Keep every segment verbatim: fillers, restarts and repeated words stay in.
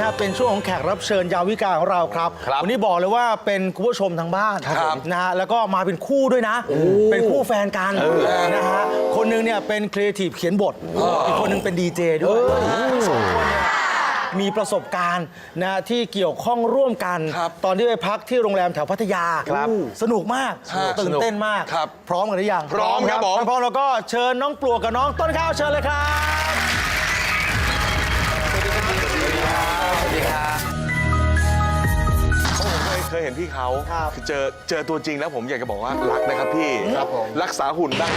ะเป็นช่วงของแขกรับเชิญยามวิกาของเราครับวันนี้บอกเลยว่าเป็นคุณผู้ชมทางบ้านนะฮะแล้วก็มาเป็นคู่ด้วยนะเป็นคู่แฟนกันนะฮะคนหนึงเนี่ยเป็นครีเอทีฟเขียนบทอีกคนหนึงเป็นดีเจด้วยสองคนเนี่ยมีประสบการณ์นะที่เกี่ยวข้องร่วมกันตอนที่ไปพักที่โรงแรมแถวพัทยาสนุกมากตื่นเต้นมากพร้อมกันหรือยังพร้อมครับผมพร้อมแล้วก็เชิญน้องปลวกกับน้องต้นข้าวเชิญเลยครับสวัสดีครับผมเคยเคยเห็นพี่เขาคือเจอเจอตัวจริงแล้วผมอยากจะบอกว่ารักนะครับพี่ครับผมรักษาหุ่นบ้าง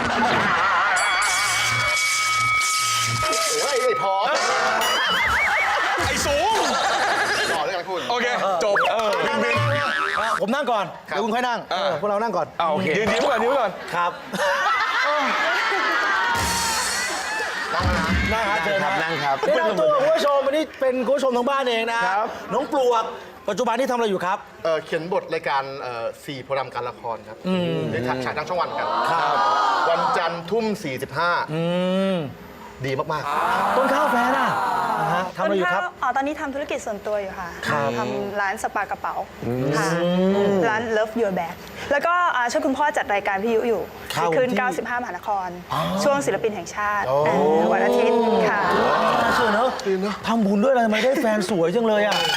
เฮ้ยไอ้พอไอ้สูงต่อเลยกันคุณโอเคจบเออบินบินผมนั่งก่อนเดี๋ยวคุณค่อยนั่งพวกเรานั่งก่อนโอเคยืนนิ้วก่อนนิ้วก่อนครับนั่งครับเชิญครับนั่งครับแนะนำตัวคุณผู้ชมวันนี้เป็นคุณผู้ชมทางบ้านเองนะน้องปลวกปัจจุบันนี้ทำอะไรอยู่ครับเอ่อเขียนบทรายการเอ่อสี่โปรแกรมการละครครับในฉายทางช่องวันกันวันจันทร์ทุ่มสี่สิบห้าดีมากๆต้นข้าวแฟนอ่ะทำอะไรอยู่ครับอ๋อตอนนี้ทำธุรกิจส่วนตัวอยู่ค่ะทำร้านสปากระเป๋าค่ะร้าน Love Your Bag แล้วก็ช่วยคุณพ่อจัดรายการพิยุอยู่คืนเก้าสิบห้ามหานครช่วงศิลปินแห่งชาติวันอาทิตย์ค่ะเชื่อเนอะทำบุญด้วยอะไรทำไมได้แฟนสวยจังเลยอ่ะ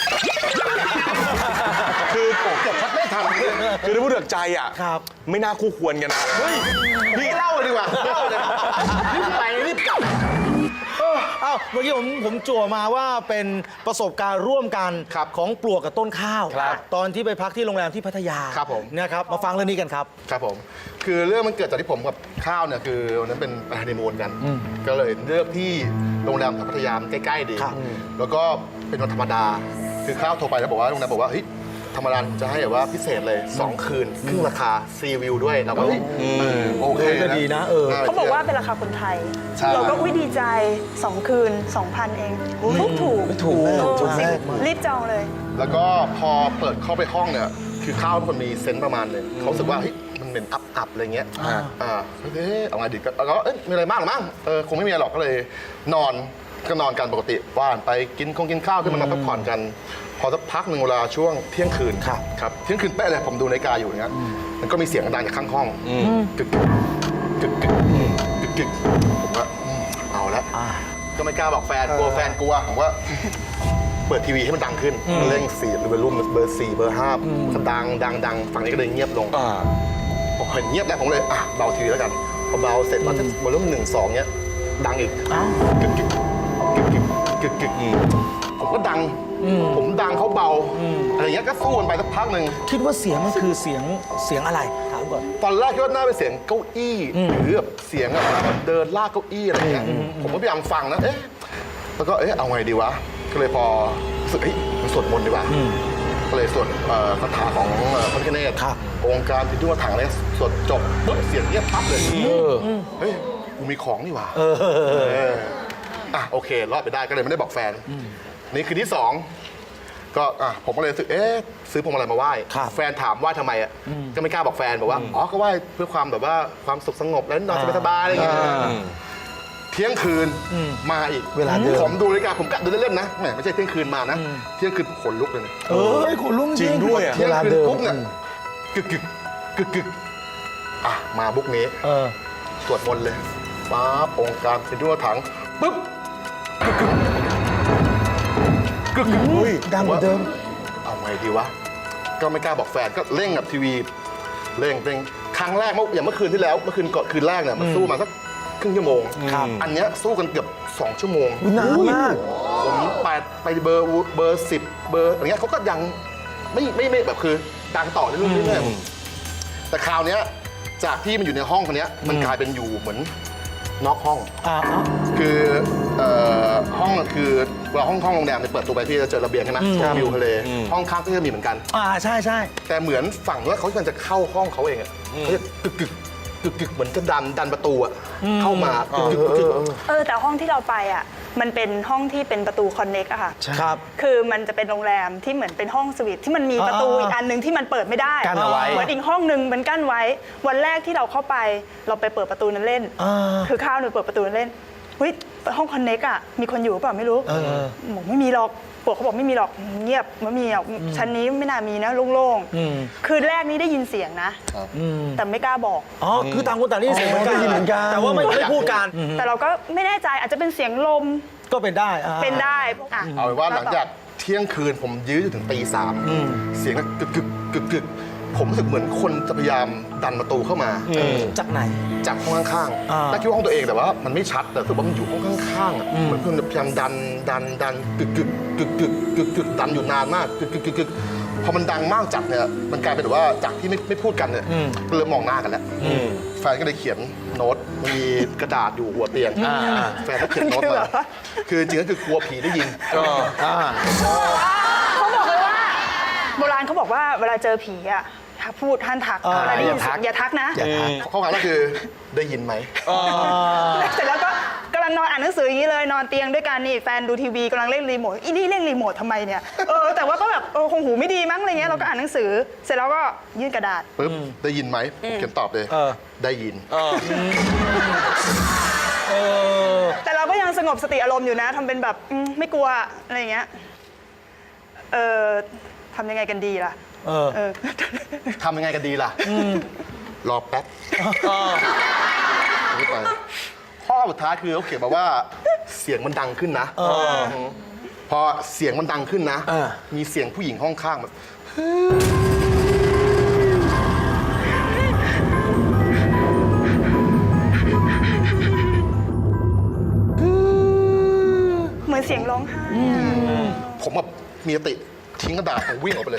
คือผมจบพัดไม่ทันคือถ้าพูดถึงใจอ่ะไม่น่าคู่ควรกันนะเฮ้ยพี่เล่าเลยดีกว่าเล่าเลยรีบไปรีบกลับเอ้าเมื่อกี้ผมผมจั่วมาว่าเป็นประสบการณ์ร่วมกันของปลวกกับต้นข้าวตอนที่ไปพักที่โรงแรมที่พัทยาครับผมนะครับมาฟังเรื่องนี้กันครับครับผมคือเรื่องมันเกิดจากที่ผมกับข้าวเนี่ยคือวันนั้นเป็นฮันนีมูนกันก็เลยเลือกที่โรงแรมแถวพัทยาใกล้ๆดีแล้วก็เป็นวันธรรมดาคือข้าวโทรไปแล้วบอกว่าโรงแรมบอกว่าเฮ้ยธรรมดาจะให้แบบว่าพิเศษเลยสองคืนครึ่งราคาซีวิวด้วยเราก็โอเคก็ดีนะเออเขาบอกว่าเป็นราคาคนไทยเราก็อุ้ยดีใจสองคืน สองพัน เองถูกถูกถูกถูกรีบจองเลยแล้วก็พอเปิดเข้าไปห้องเนี่ยคือข้าวเป็นคนมีเซนส์ประมาณนึงเขาสึกว่าเฮ้ยมันเป็นอับอับอะไรเงี้ยอ่าเฮ้ยเอาไงดีก็แล้วก็เอ๊ะมีอะไรมากหรือมั้งเออคงไม่มีอะไรหรอกก็เลยนอนก็นอนกันปกติว่านไปกินคงกินข้าวขึ้นมาพักผ่อนกันพอสักพักหนึ่งเวลาช่วงเที่ยงคืนครับเที่ยงคืนเป๊ะเลยผมดูนาฬิกาอยู่อย่างเงี้ยมันก็มีเสียงดังจากข้างห้องกึกกึกกึกกึกกึกผมว่าเอาละก็ไม่กล้าบอกแฟนกลัวแฟนกลัวผมว่าเปิดทีวีให้มันดังขึ้นเร่งสีหรือเบอร์รุ่มเบอร์สี่เบอร์ห้าก็ดังดังดังฝั่งนี้ก็เลยเงียบลงพอเห็นเงียบแล้วผมเลยอ่ะเบาทีวีแล้วกันพอเบาเสร็จแล้วเบอร์รุ่มหนึ่งสองเนี้ยดังอีกกึกกึกกึกกึกกึกกึกผมก็ดังผมดังเขาเบาอะไรเงี้ยก็สู้กันไปสักพักหนึ่งคิดว่าเสียงมันคือเสียงเสียงอะไรถามก่อนตอนแรกคิดว่าน่าเป็นเสียงเก้าอี้หรือแบบเสียงแบบเดินลากเก้าอี้อะไรเงี้ยผมก็พยายามฟังนะเอ๊ะแล้วก็เอ๊ะเอาไงดีวะก็เลยพอรู้สึกเฮ้ยมันสวดมนต์ดีกว่าก็เลยสวดคาถาของพระพิฆเนศองค์การพิจุถังเลยสวดจบปุ๊บเสียงเงียบปั๊บเลยเฮ้ยกูมีของนี่หว่าอ่ะโอเครอดไปได้ก็เลยไม่ได้บอกแฟนนี่คือที่สองก็อ่ะผมก็เลยซื้อเอ๊ะซื้อพวงมาลัยมาไหว้แฟนถามว่าทำไมอ่ะก็ไม่กล้าบอกแฟนบอกว่าอ๋อก็ไหว้เพื่อความแบบว่าความสุขสงบแล้วนอนสบายๆอะไรอย่างเงี้ยเที่ยงคืนมาอีกเวลาเดิมผมดูนาฬิกาผมกะดูเล่นๆนะแหมไม่ใช่เที่ยงคืนมานะเที่ยงคืนขนลุกเลยเออขนลุกจริงด้วยเที่ยงคืนปุ๊บเนี่ยกึกกึกกึกกึกอ่ะมาบุ๊กนี้สวดมนต์เลยป๊าบองค์การพิจุถังปุ๊บกึกกึกกึกกึกเฮ้ยดังกว่าเดิมเอาไงดีวะก็ไม่กล้าบอกแฟนก็เร่งกับทีวีเร่งเร่งครั้งแรกเมื่ออย่างเมื่อคืนที่แล้วเมื่อคืนก่อนคืนแรกเนี่ยมันสู้มาสักครึ่งชั่วโมงอันเนี้ยสู้กันเกือบสองชั่วโมงนานมากผมไปไปเบอร์เบอร์สิบเบอร์อย่างเงี้ยเขาก็ยังไม่ไม่ไม่แบบคือดังต่อเรื่อยๆแต่คราวเนี้ยจากที่มันอยู่ในห้องคนนี้มันกลายเป็นอยู่เหมือนนอกห้องคือห้องคือเราห้องห้องโรงแรมเนี่ยเปิดตัวไปพี่จะเจอระเบียงใช่ไหมวิวทะเลห้องข้างก็จะมีเหมือนกันอ่าใช่ใช่แต่เหมือนฝั่งว่าเขาจะเข้าห้องเขาเองอ่ะเขาจะกึกกึกกึกกึกเหมือนจะดันดันประตูอ่ะเข้ามากึกกึกกึกเออแต่ห้องที่เราไปอ่ะมันเป็นห้องที่เป็นประตูคอนเน็กอะค่ะครับคือมันจะเป็นโรงแรมที่เหมือนเป็นห้องสวีทที่มันมีประตูอีกอันนึงที่มันเปิดไม่ได้กั้นเอาไว้เหมือนอีกห้องนึงมันกั้นไว้วันแรกที่เราเข้าไปเราไปเปิดประตูนั้นเล่นคือข้าวหนูเปิดประตูนั้นเล่นเฮ้ยห้องคอนเน็กอะมีคนอยู่หรือเปล่าไม่รู้บอกไม่มีหรอกปวกเขาบอกไม่มีหรอกเงียบไม่มีหรอกชั้นนี้ไม่น่ามีนะโล่งๆคืนแรกนี้ได้ยินเสียงนะแต่ไม่กล้าบอกอ๋อคือต่างคนต่างได้ยินเสียงเหมือนกันได้ยินเหมือนกันแต่ว่าไม่ไม่พูดกันแต่เราก็ไม่แน่ใจอาจจะเป็นเสียงลมก็เป็นได้อ่าเป็นได้อ่ะเอาเป็นว่าหลังจากเที่ยงคืนผมยื้ออยู่ถึงตีสามเสียงกึกกึกกึกกึกผมรู้สึกเหมือนคนจะพยายามดันประตูเข้ามาจากไหนจากห้องข้างอ่าๆแต่คิดว่าห้องตัวเองแต่ว่ามันไม่ชัดแต่รู้สึกว่ามันอยู่ห้องข้างๆอะเหมือนคนพยายามดันดันดันกึกกึกกึกกึกกึกกึกดันอยู่นานมากกึกกึกกึกกึกพอมันดังมากจัดเนี่ยมันกลายเป็นแบบว่าจากที่ไม่ไม่พูดกันเนี่ยก็เริ่มมองหน้ากันแล้วแฟนก็เลยเขียนโน้ตมีกระดาษอยู่หัวเตียงแฟนก็เขียนโน้ตมาคือจริงๆก็คือกลัวผีได้ยินเขาบอกเลยว่าโบราณเขาบอกว่าเวลาเจอผีอ่ะถ้าพูดท่านทักอ่าเวลาได้ยินอย่าทักเสียงอย่าทักนะข้อความก็คือได้ยินไหมเสร็จแล้วก็กำลังนอนอ่านหนังสืออย่างนี้เลยนอนเตียงด้วยกันนี่แฟนดูทีวีกำลังเล่นรีโมทอีนี่เล่นรีโมททำไมเนี่ยเออแต่ว่าก็แบบเออคงหูไม่ดีมั้งอะไรเงี้ยเราก็อ่านหนังสือ เสร็จแล้วก็ยื่นกระดาษปุ๊บได้ยินไหมผมเขียนตอบเลยเออได้ยินเออแต่เราก็ยังสงบสติอารมณ์อยู่นะทำเป็นแบบอืมไม่กลัวอะไรเงี้ยเออทำยังไงกันดีล่ะเออเออทำยังไงกันดีล่ะรอแป๊บไม่ไปข้อสุดท้ายคือเขาเขียนมาว่าเสียงมันดังขึ้นนะพอเสียงมันดังขึ้นนะเออมีเสียงผู้หญิงห้องข้างแบบเหมือนเสียงร้องไห้ผมแบบมีสติทิ้งกระดาษผมวิ่งออกไปเลย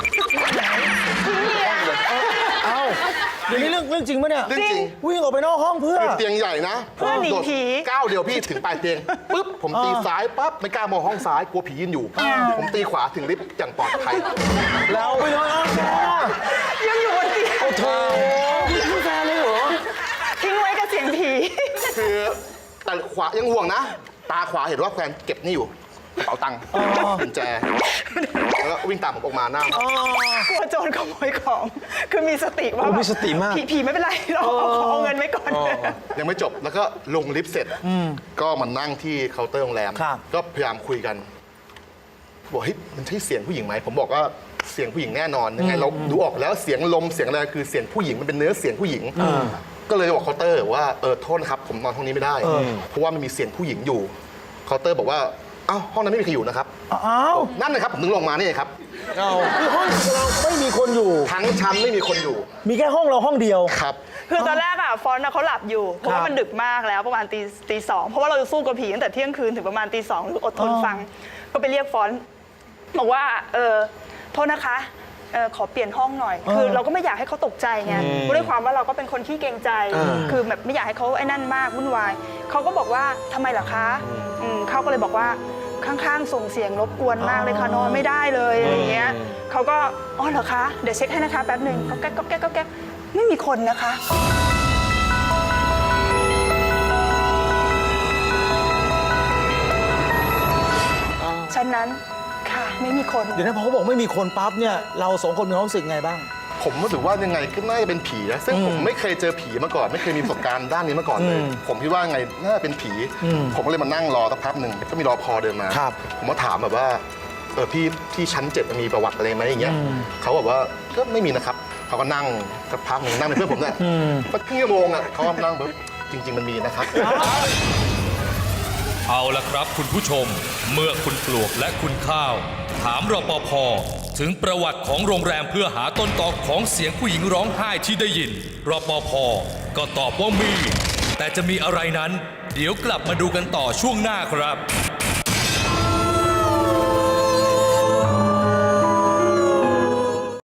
เอ้าเดี๋ยวนี้เรื่องเรื่องจริงปะเนี่ยเรื่องจริงวิ่งออกไปนอกห้องเพื่อคือเตียงใหญ่นะเพื่อหนีโดดผีก้าวเดียวพี่ถึงปลายเตียงปุ๊บผมตีซ้ายปั๊บไม่กล้ามองห้องซ้ายกลัวผียืนอยู่ ผมตีขวาถึงลิฟต์อย่างปลอดภัยเราไปนอนห้องแฟนอะยังอยู่บนเตียงโอ้โหพี่แฟนเลยเหรอทิ้งไว้กับเสียงผีคือแต่ขวายังห่วงนะ ตาขวาเห็นว่าแฟนเก็บนี่อยู่กระเป๋าตังค์กุญแจแล้วก็วิ่งตามผมออกมาหน้ากลัวโจรขโมยของ คือมีสติว่าโอ้แบบมีสติมากผีผีไม่เป็นไรเราเอาของเอาเงินไว้ก่อนยังไม่จบแล้วก็ลงลิฟต์เสร็จก็มานั่งที่เคาน์เตอร์โรงแรมครับก็พยายามคุยกันบอกเฮ้ยมันใช่เสียงผู้หญิงไหมผมบอกว่าเสียงผู้หญิงแน่นอนยังไงเราดูออกแล้วเสียงลมเสียงอะไรคือเสียงผู้หญิงมันเป็นเนื้อเสียงผู้หญิงก็เลยบอกเคาน์เตอร์ว่าเออโทษนะครับผมนอนห้องนี้ไม่ได้ เพราะว่ามันมีเสียงผู้หญิงอยู่เคาน์เตอร์บอกว่าอ้าวห้องนั้นไม่มีใครอยู่นะครับอ้าวนั่นนะครับผมถึงลงมานี่ครับคือห้องเราไม่มีคนอยู่ทั้งชั้นไม่มีคนอยู่มีแค่ห้องเราห้องเดียวครับคือตอนแรกอะฟอนต์อะเขาหลับอยู่ เพราะว่ามันดึกมากแล้วประมาณตีตีสองเพราะว่าเราจะสู้กับผีตั้งแต่เที่ยงคืนถึงประมาณตีสองอดทนฟัง ก็ไปเรียกฟอนต์บอกว่าเออโทษนะคะเออขอเปลี่ยนห้องหน่อย คือเราก็ไม่อยากให้เขาตกใจไงด้วยความว่าเราก็เป็นคนขี้เกรงใจ คือแบบไม่อยากให้เขาไอ้นั่นมากวุ่นวายเขาก็บอกว่าทำไมเหรอคะอืมเขาก็เลยบอกว่าข้างๆส่งเสียงรบกวนมากเลยค่ะนอนไม่ได้เลยอะไรอย่างเงี้ยเขาก็อ๋อเหรอคะเดี๋ยวเช็คให้นะคะแป๊บหนึ่งก็แก๊กก็แก๊กก็แก๊กไม่มีคนนะคะ ฉะนั้นค่ะไม่มีคนเดี๋ยวนะพอเขาบอกไม่มีคนปั๊บเนี่ยเราสองคนมีความรู้สึกไงบ้างผมรู้สึกว่ายังไงก็น่าจะเป็นผีนะซึ่งผมไม่เคยเจอผีมาก่อน ไม่เคยมีประสบการณ์ด้านนี้มาก่อนเลย ผมคิดว่าไงน่าจะเป็นผี ผมก็เลยมานั่งรอสักพักหนึ่งก็มีรอพอเดินมาครับผมก็ถามแบบว่าเออพี่ที่ชั้นเจ็ดมีประวัติอะไรไหมอย่างเงี้ยเขาบอกว่าก็ไม่มีนะครับเขาก็นั่งสักพักหนึ่งนั่งเป็นเพื่อนผมเนี่ยสักครึ่งชั่วโมงอ่ะเขาก็นั่งแบบจริง ๆ มันมีนะครับเอาละครับคุณผู้ชม เมื่อคุณปลวกและคุณข้าว ถามรปภถึงประวัติของโรงแรมเพื่อหาต้นตอของเสียงผู้หญิงร้องไห้ที่ได้ยินรปภก็ตอบว่ามี แต่จะมีอะไรนั้น เดี๋ยวกลับมาดูกันต่อช่วงหน้าครับ